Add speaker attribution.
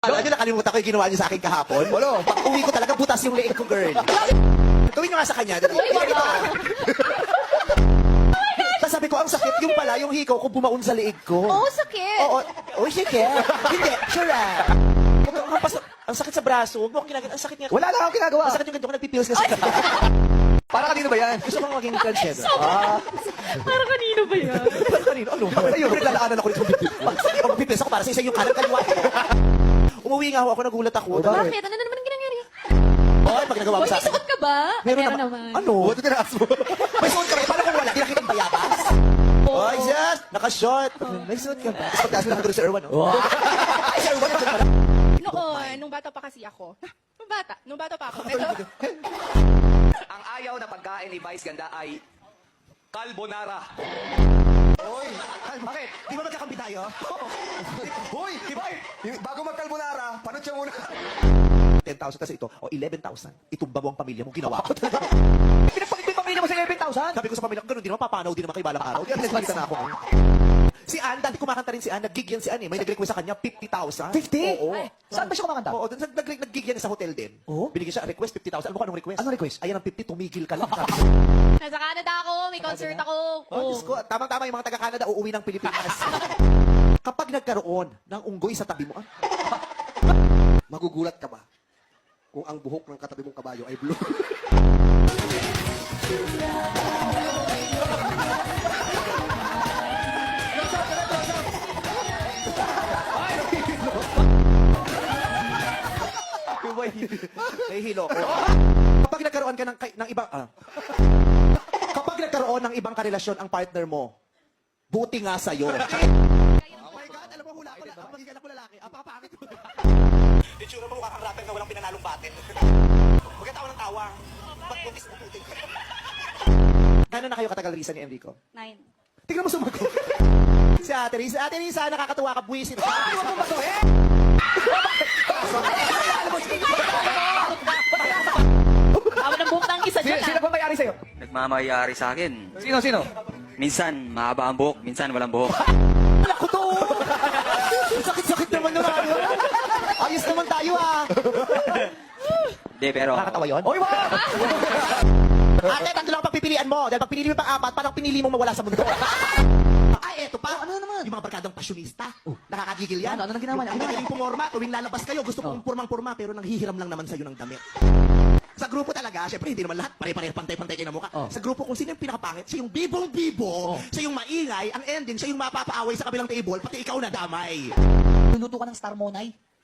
Speaker 1: Alam niyo, nakalimutan ko yung ginawa niyo sa akin kahapon. Wala. Pag uwi ko talaga, butas yung leeg ko, girl. Gawin niyo nga sa kanya. Dali. Tapos sabi ko, ang sakit. Yung pala, yung hikaw ko bumaon sa leeg ko.
Speaker 2: Oo, sakit.
Speaker 1: Oo. Oh, sige. Hindi. Sure ah. Ang sakit sa braso. Huwag mo akong ginagawa. Ang sakit nga.
Speaker 3: Wala lang akong ginagawa.
Speaker 1: Ang sakit yung ganito ko nagpipills kasi.
Speaker 3: Para kanino ba yan?
Speaker 1: Gusto kong maging transgender.
Speaker 2: Para kanino ba yan?
Speaker 1: Kanino? Ano? Ayun, naglalaanan ako rito. Pag magpipills ako para sa isa yung kanan kaliwa. Umuwi nga ako, nagulat ako.
Speaker 2: Bakit? Ano na naman ang ginangyari?
Speaker 1: Oy, pag nagawa mo
Speaker 2: Uy,
Speaker 1: sa
Speaker 2: may
Speaker 1: akin.
Speaker 2: suot ka ba?
Speaker 1: Meron
Speaker 2: Meron
Speaker 1: naman.
Speaker 2: naman.
Speaker 1: Ano? What did I mo? May suot ka ba? Paano kung wala? Di nakita ang bayabas? Oy, yes! Naka-shot. May suot ka ba? Tapos pagtaas mo na doon sa Erwan, oh. Ay, sa Erwan, nandiyan pala.
Speaker 4: Noon, nung bata pa kasi ako. Nung bata pa ako. Ito,
Speaker 3: Ang ayaw na pagkain ni Vice Ganda ay carbonara.
Speaker 1: Oy, bakit? Di ba magkakampi tayo?
Speaker 3: Hoy, Ibay! Bago mag-carbonara, panot siya muna.
Speaker 1: 10,000 kasi ito. O, 11,000. Itumba mo ang pamilya mo. Ginawa ko talaga.
Speaker 3: Pinagpakit yung pamilya mo sa 11,000?
Speaker 1: Sabi ko sa pamilya ko, ganun din naman, papanaw din naman kayo balang araw. Di, nagsalita na ako. Si Ann, dati kumakanta rin si Ann. Nag-gig yan si Ann eh. May nag-request sa kanya, 50,000.
Speaker 3: 50?
Speaker 1: Oo.
Speaker 3: Saan ba siya kumakanta?
Speaker 1: Oo, nag-gig yan sa hotel din.
Speaker 3: Oo?
Speaker 1: Binigyan siya, request 50,000. Ano mo anong request?
Speaker 3: Anong request?
Speaker 1: Ayan ang 50, tumigil ka lang.
Speaker 2: Nasa Canada ako. May concert ako.
Speaker 1: Oh, Diyos ko, tamang-tama yung mga taga-Canada uuwi ng Pilipinas. Kapag nagkaroon ng unggoy sa tabi mo,
Speaker 5: Magugulat ka ba kung ang buhok ng katabi mong kabayo ay blue?
Speaker 1: nahihilo ko. Kapag nagkaroon ka ng ibang, kapag nagkaroon ng ibang karelasyon ang partner mo, buti nga sa'yo. Oh my God, alam mo, hula ko lang. Ang magiging anak ko lalaki, apakapangit mo. Itsura mo mukha kang rapper na walang pinanalong battle. Magkatawa ng tawa. Ba't buntis mo puti? Gano'n na kayo katagal Risa ni Enrico?
Speaker 2: 9.
Speaker 1: Tingnan mo sumagot. Si Ate Risa. Ate Risa, nakakatuwa ka, buwisit.
Speaker 3: Ay, wag mo matuhin!
Speaker 2: Tama ng buhok ng isa dyan
Speaker 3: Sino ba mayari sa'yo?
Speaker 6: Nagmamayari sa akin.
Speaker 3: Sino?
Speaker 6: Minsan, mahaba ang buhok. Minsan, walang buhok.
Speaker 1: Wala ko to! Sakit-sakit naman na tayo. Ayos naman tayo ah.
Speaker 6: Hindi, pero...
Speaker 1: Nakakatawa yun?
Speaker 3: Oy, wag!
Speaker 1: Ate, tatlo lang ang pagpipilian mo. Dahil pag pinili mo yung pang-apat, parang pinili mong mawala sa mundo. Ay, eto pa. Ano naman? Yung mga barkadang pasyonista. Nakakagigil yan.
Speaker 3: Ano ginawa niya?
Speaker 1: Ang magaling pumorma. Tuwing lalabas kayo, gusto kong purmang-purma, pero nanghihiram lang naman sa'yo ng damit. Sa grupo talaga, syempre hindi naman lahat pare-pare pantay-pantay kayo na mukha. Sa grupo kung sino yung pinakapangit, siya yung bibong-bibo, siya yung maingay, ang ending, siya yung mapapaaway sa kabilang table, pati ikaw na damay.
Speaker 3: Luluto ka ng Star Monay.